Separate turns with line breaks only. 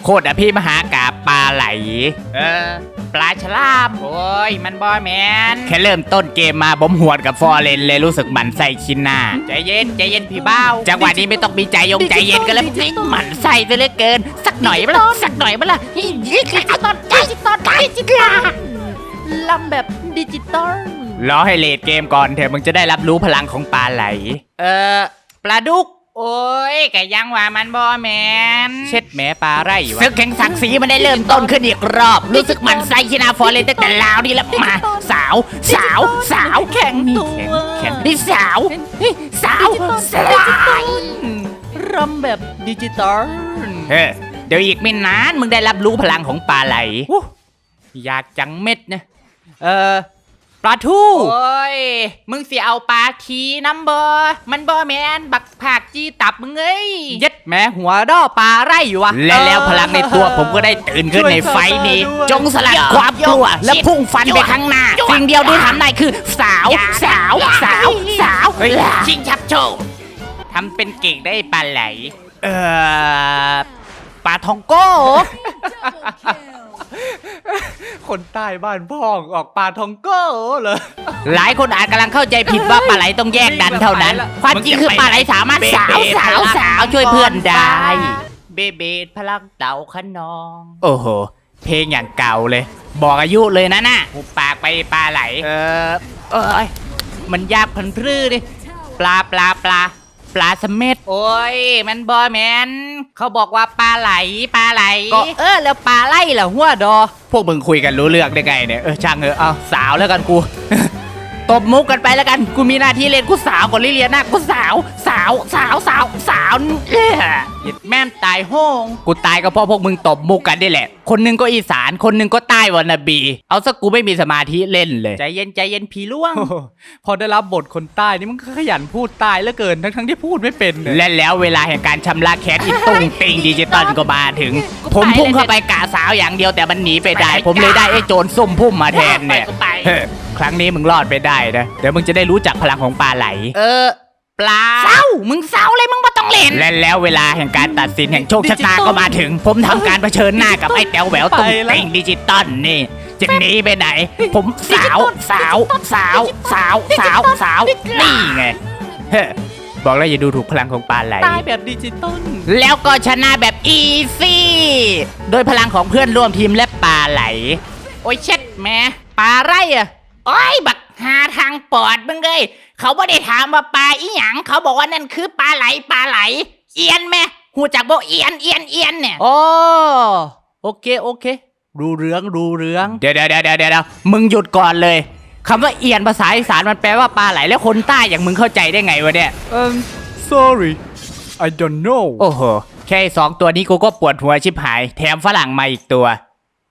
โคตรอภิมหากาบปลาไหลปลาฉลามโอ้ยมันบอแมนแค่เริ่มต้นเกมมาผมหวดกับฟอร์เรนเลยรู้สึกหมันไส้ชินหน้าใจเย็นพี่เบ้าจังหวะนี้ไม่ต้องมีใจใจเย็นกันแล้วหมันไส้ซะเหลือเกินสักหน่อยเปล่าสักหน่อยเปล่าดิจิตอล
ลำแบบดิจิตอล
รอให้เลดเกมก่อนเถอะมึงจะได้รับรู้พลังของปลาไหลปลาดุกโอ้ยกะยังว่ามันบอแมนเช็ดแม่ปลาไรวะศึกแข่งศักดิ์ศรีมันได้เริ่มต้นขึ้นอีกรอบรู้สึกมันไซชินาฟอร์เรนตั้งแต่ลาวนี่แล้วมาสาวแข่งแข่งนี่สาว
รำแบบดิจิตอล
เดี๋ยวอีกไม่นานมึงได้รับรู้พลังของปลาไหลอยากจังเม็ดนะปลาทูโอ้ยมึงสิเอาปลาทีน้ำมันบอแมนบักผักจีตับมึงเอ้ยยัดแม่หัวด้อปลาไรอยู่วะแล้วพลังในตัวผมก็ได้ตื่นขึ้นในไฟนี้จงสลัดความกลัวและพุ่งฟันไปข้างหน้าสิ่งเดียวที่ทำได้คือสาวชิงชับโชว์ทำเป็นเก่งได้ปลาไหลปลาทองโก้
คนใต้บ้านพ่องออกปลาทองโก้เหรอ
หลายคนอาจกำลังเข้าใจผิดว่าปลาไหลต้องแยกดันเท่านั้นความจริงคือปลาไหลสามารถสาวช่วยเพื่อนได้เบพลังเต่าขนองโอ้โหเพลงอย่างเก่าเลยบอกอายุเลยนะน่ะหุบปากไปปลาไหลมันยากพันพรื้ดิปลาสเม็ดโอ้ยมันบอแมนเขาบอกว่าปลาไหลก็แล้วปลาไหลล่ะหัวดอพวกมึงคุยกันรู้เรื่องได้ไงเนี่ยช่างเอาสาวแล้วกันกู ตบมุกกันไปแล้วกันกูมีหน้าที่เล่นกูสาวก่อนลิเลียนากูสาวหยิดแม่มตายโห้งกูตายก็เพราะพวกมึงตบมุกกันได้แหละคนนึงก็อีสานคนนึงก็ใต้วรรณบีเอาซะกูไม่มีสมาธิเล่นเลยใจเย็นผีล่วง
พอได้รับบทคนใต้นี่มึงขยันพูดใต้เหลือเกินทั้งที่พูดไม่เป็น
และแล้วเวลาแห่งการชำระแค้นอีตุ้งติงดิจิตอลก็มาถึงผมพุ่งเข้าไปกะสาวอย่างเดียวแต่มันหนีไปได้ผมเลยได้ไอ้โจรซุ่มพุ่มมาแทนเนี่ยครั้งนี้มึงรอดไปได้นะเดี๋ยวมึงจะได้รู้จักพลังของปลาไหลปลามึงเศร้าเลยมึงไม่ต้องเล่นและแล้วเวลาแห่งการตัดสินแห่งโชคชะตาก็มาถึงผมทำการเผชิญหน้ากับไอ้แต๋วแหววตุ้งติงดิจิตอลนี่จะหนีไปไหนผมสาวนี่ไงบอกแล้วอย่าดูถูกพลังของปลาไหล
ตายแบบดิจิตอล
แล้วก็ชนะแบบอีซี่โดยพลังของเพื่อนร่วมทีมและปลาไหลโอ้ยเช็ดแม่ปลาไรอะโอ้ยบักหาทางปอดมึงเลยเขาไม่ได้ถามว่าปลาอีหยังเขาบอกว่านั่นคือปลาไหลเอียนแม่หูจักบอกเอียนเนี่ยโอเครู้เรื่องเดี๋ยวมึงหยุดก่อนเลยคำว่าเอียนภาษาอีสานมันแปลว่าปลาไหลแล้วคนใต้อย่างมึงเข้าใจได้ไงวะเนี่ย
sorry I don't know
โอ้โหแค่2ตัวนี้กูก็ปวดหัวชิบหายแถมฝรั่งมาอีกตัว